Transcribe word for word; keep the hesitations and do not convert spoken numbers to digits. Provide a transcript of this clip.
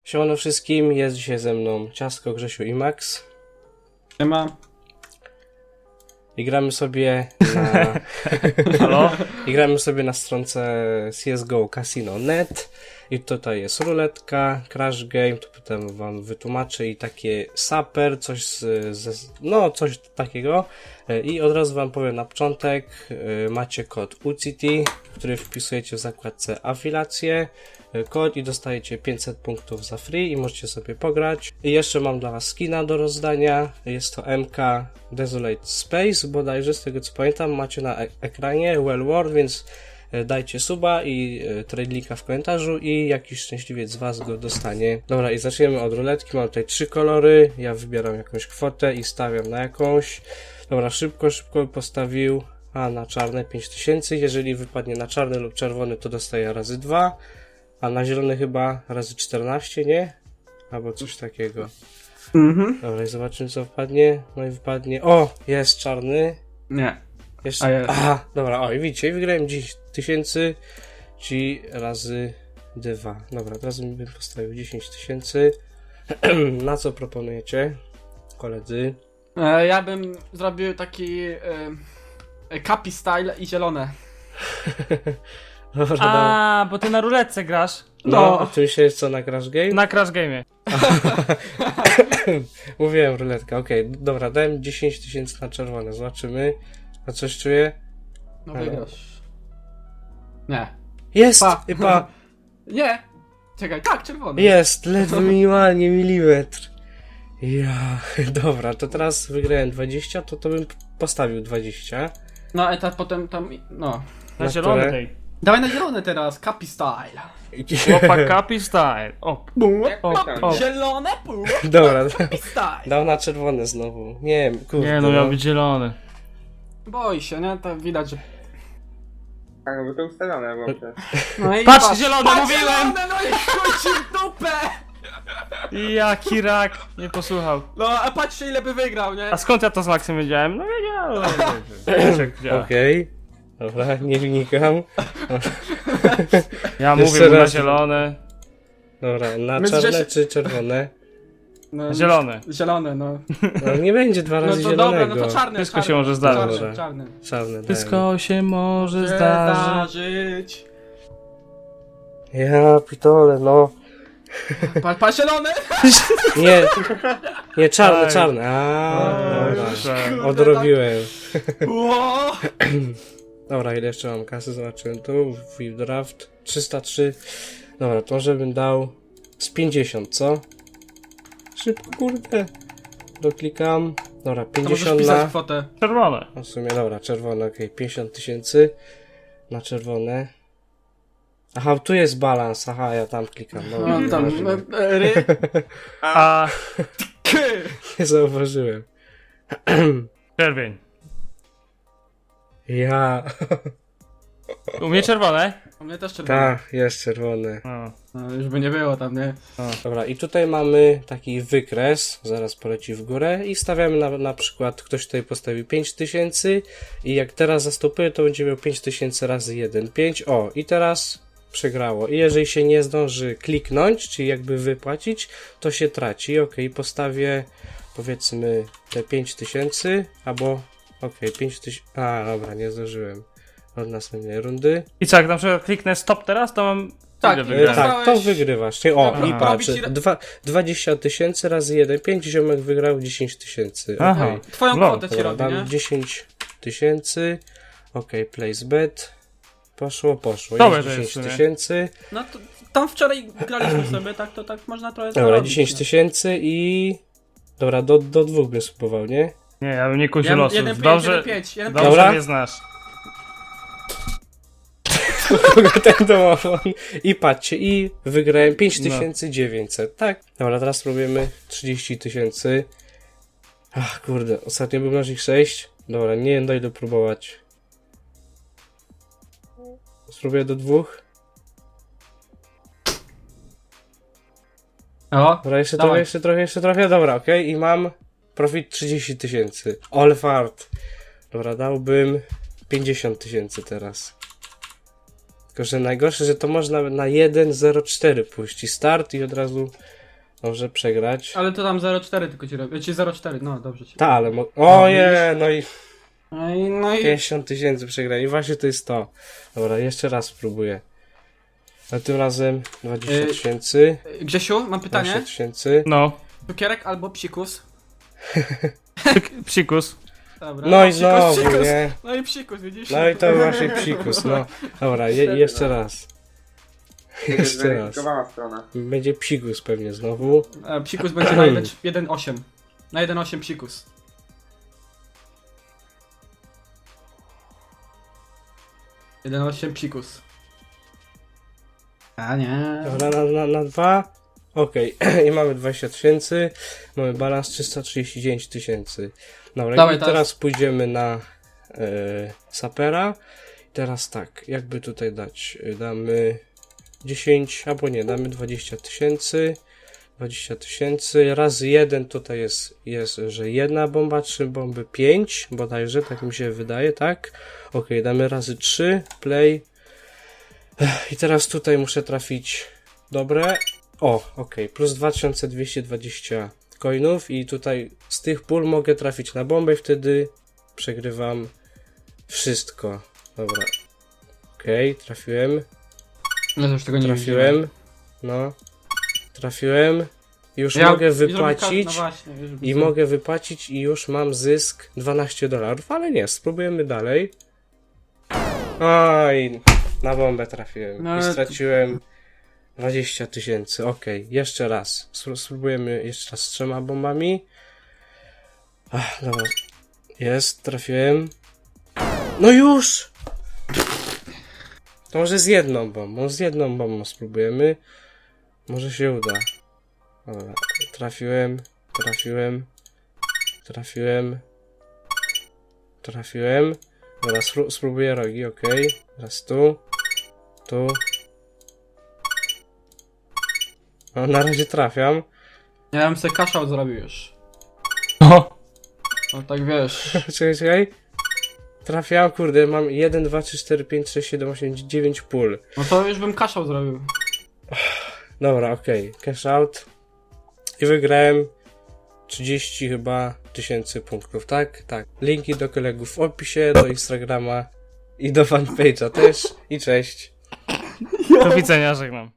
Siemano wszystkim, jest dzisiaj ze mną Ciastko, Grzesiu i Max. Nie ma. I gramy sobie na... Halo? I gramy sobie na stronce C S G O Casino kropka net. I tutaj jest ruletka, crash game, to potem wam wytłumaczę, i takie saper, coś z, z, no coś takiego. I od razu wam powiem na początek, macie kod U C T, który wpisujecie w zakładce afiliacje, kod i dostajecie pięćset punktów za free i możecie sobie pograć. I jeszcze mam dla was skina do rozdania, jest to M K Desolate Space, bodajże z tego co pamiętam macie na e ekranie Well World, więc dajcie suba i e, trade linka w komentarzu i jakiś szczęśliwiec z was go dostanie. Dobra, i zaczniemy od ruletki. Mam tutaj trzy kolory, ja wybieram jakąś kwotę i stawiam na jakąś. Dobra, szybko, szybko postawił, a na czarne pięć tysięcy, jeżeli wypadnie na czarny lub czerwony, to dostaję razy dwa, a na zielony chyba razy czternaście, nie? Albo coś takiego. Mhm. Dobra, i zobaczymy co wpadnie. No i wypadnie, o, jest czarny. Nie. Jeszcze... A jest. Aha, dobra, o i widzicie, wygrałem dziesięć tysięcy, czyli razy dwa. Dobra, teraz bym postawił dziesięć tysięcy. Na co proponujecie, koledzy? E, ja bym zrobił taki e, e, Capi style i zielone. Dobra, dobra. A, bo ty na ruletce grasz. No, no. a ty myślisz co, na Crash Game? Na Crash Game'ie. Mówiłem ruletka, okej, okay. Dobra, dałem dziesięć tysięcy na czerwone, zobaczymy. A coś czuję? No Halo? wygrasz. Nie. Jest! Pa. I pa! Nie. Czekaj, tak, czerwony. Jest! Ledwo minimalnie milimetr. Ja, dobra, to teraz wygrałem dwadzieścia, to to bym postawił dwadzieścia. No, etap potem tam, no. Na, Na zielony które? tej. Dawaj na zielone teraz, Capi style. Chłopak Capi style. O, o, o. Zielone, pół. Dobra, Capi style. dał na czerwone znowu. Nie wiem, kurde. Nie no, miał być zielony. Boi się, nie? To widać, że... Tak, bo to ustawione było przecież. No i Patrz, zielone, patrz, mówiłem! zielone, no i chuj ci w dupę! Jaki rak, nie posłuchał. No, a patrzcie ile by wygrał, nie? A skąd ja to z Maxem wiedziałem? No wiedziałem. Jak działa. Okej. Dobra, nie wnikam. Ja Jeszcze mówię mu na raz. zielone. Dobra, na My z czarne Grzesi- czy czerwone? No, Zielone. Zielone, no. No nie będzie dwa No razy to zielonego. dobra, no to czarny. Wszystko czarny, się może zdarzyć. Czarny, Dobra. czarny. Czarne dałem. Wszystko się może zdarzyć. Zdarzyć. Ja pitole, no. Pa, pa zielone! Nie, nie, czarne, Ej. czarne. A, Oj, dobra. kurczę. Odrobiłem. Ło! Dobra, ile jeszcze mam kasy? Zobaczyłem tu. View draft. trzysta trzy. Dobra, to może bym dał z pięćdziesiąt, co? Szybko, kurde. Doklikam. Dobra, To możesz pięćdziesiąt pisać na... kwotę. Czerwone. No w sumie, dobra, czerwone, okej. Okay. pięćdziesiąt tysięcy na czerwone. Aha, tu jest balans. Aha, ja tam klikam. Dobra, No tam, zobaczymy. e, ry, A k. Nie zauważyłem. czerwień. Ja. U mnie czerwone? U mnie też czerwone. Tak, jest czerwone. O. No, już by nie było tam, nie? Dobra, i tutaj mamy taki wykres, zaraz poleci w górę i stawiamy na, na przykład, ktoś tutaj postawił pięć tysięcy i jak teraz zastopuje, to będzie miał pięć tysięcy razy jeden, pięć, o i teraz przegrało. I jeżeli się nie zdąży kliknąć, czyli jakby wypłacić, to się traci. Ok, postawię powiedzmy te pięć tysięcy, albo ok, pięć tysięcy, a dobra, nie zdążyłem od następnej rundy. I co, jak na przykład kliknę stop teraz, to mam... Tak, ile e, wygrałem? Tak, to Dostałeś- wygrywasz. Nie, o, Dobra, i robi patrz, ci ra- dwa, dwadzieścia tysięcy razy jeden, pięć, ziomek wygrał dziesięć tysięcy. Aha. Okej. Twoją Lol. kwotę ci Dobra, robi, nie? dam dziesięć tysięcy. Okej, place bet. Poszło, poszło. Dobre Jest to jest dziesięć w sumie. tysięcy. No to tam wczoraj graliśmy sobie, tak to tak można trochę Dobra, zarobić, dziesięć no. tysięcy i... Dobra, do, do dwóch bym spróbował, nie? Nie, ja bym nie kusił Ja- losów. jeden pięć, Dobrze, jeden pięć, jeden dobrze Dobra. mnie znasz. Kogo ten domofon? I patrzcie, i wygrałem pięć No. tysięcy dziewięćset, tak? Dobra, teraz spróbujemy trzydzieści tysięcy. Ach, kurde, ostatnio był mnożnik sześć. Dobra, nie wiem, dojdę próbować. Spróbuję do dwóch. O, Dobra, jeszcze Dawaj. trochę, jeszcze trochę, jeszcze trochę. Dobra, okej, i mam profit trzydzieści tysięcy. All fart. Dobra, dałbym pięćdziesiąt tysięcy teraz. Tylko, że najgorsze, że to można na jeden zero cztery pójść i start i od razu może przegrać. Ale to tam zero cztery tylko ci robię. Ci zero cztery, no dobrze ci. Ta, ale mo- Oje, no i No i, no i... pięćdziesiąt tysięcy przegrali. I właśnie to jest to. Dobra, jeszcze raz spróbuję. A tym razem dwadzieścia Y- tysięcy. Grzesiu, mam pytanie. dwadzieścia tysięcy. No. Cukierek albo psikus? Psikus. Dobra. No i psikus, znowu, psikus. nie? No i psikus, widzisz? No i to właśnie psikus, no. Dobra, je- jeszcze raz. To jest Jeszcze raz. zweryfikowana strona. Będzie psikus pewnie znowu. E, psikus będzie na jeden przecinek osiem. Na jeden przecinek osiem psikus. jeden przecinek osiem psikus. A nie. Dobra, na, na, na dwa. Okej, i mamy dwadzieścia tysięcy. Mamy balans trzysta trzydzieści dziewięć tysięcy. Dobra, Dawaj, i teraz pójdziemy na e, sapera. I teraz tak, jakby tutaj dać? E, Damy dziesięć, albo nie, damy dwadzieścia tysięcy. dwadzieścia tysięcy razy jeden tutaj jest, jest, że jedna bomba, trzy bomby, pięć bodajże, tak mi się wydaje, tak? Ok, damy razy trzy, play. Ech, I teraz tutaj muszę trafić dobre. O, ok, plus dwa tysiące dwieście dwadzieścia coinów i tutaj z tych pól mogę trafić na bombę i wtedy przegrywam wszystko. Dobra. Ok, trafiłem. No to już tego nie Trafiłem. No. Trafiłem. Już Ja- mogę i zrobię wypłacić. ka- No właśnie, już I widzę. mogę wypłacić i już mam zysk dwanaście dolarów, ale nie, spróbujemy dalej. Oj, na bombę trafiłem No i ale- straciłem dwadzieścia tysięcy. Okej, jeszcze raz. Spró- Spróbujemy jeszcze raz z trzema bombami. Ach, dobra. Jest, trafiłem. No już! To może z jedną bombą, z jedną bombą spróbujemy. Może się uda. Dobra, trafiłem, trafiłem, trafiłem, trafiłem. Dobra, spró- spróbuję rogi, ok. Teraz tu, tu. No, na razie trafiam. Ja bym sobie cash out zrobił już. No. No tak wiesz. Czekaj, czekaj. Trafiam, kurde, mam jeden, dwa, trzy, cztery, pięć, sześć, siedem, osiem, dziewięć pól. No to już bym cash out zrobił. Dobra, okej, cash out. I wygrałem trzydzieści chyba tysięcy punktów, tak? Tak. Linki do kolegów w opisie, do Instagrama i do fanpage'a też. I cześć. Do widzenia, żegnam.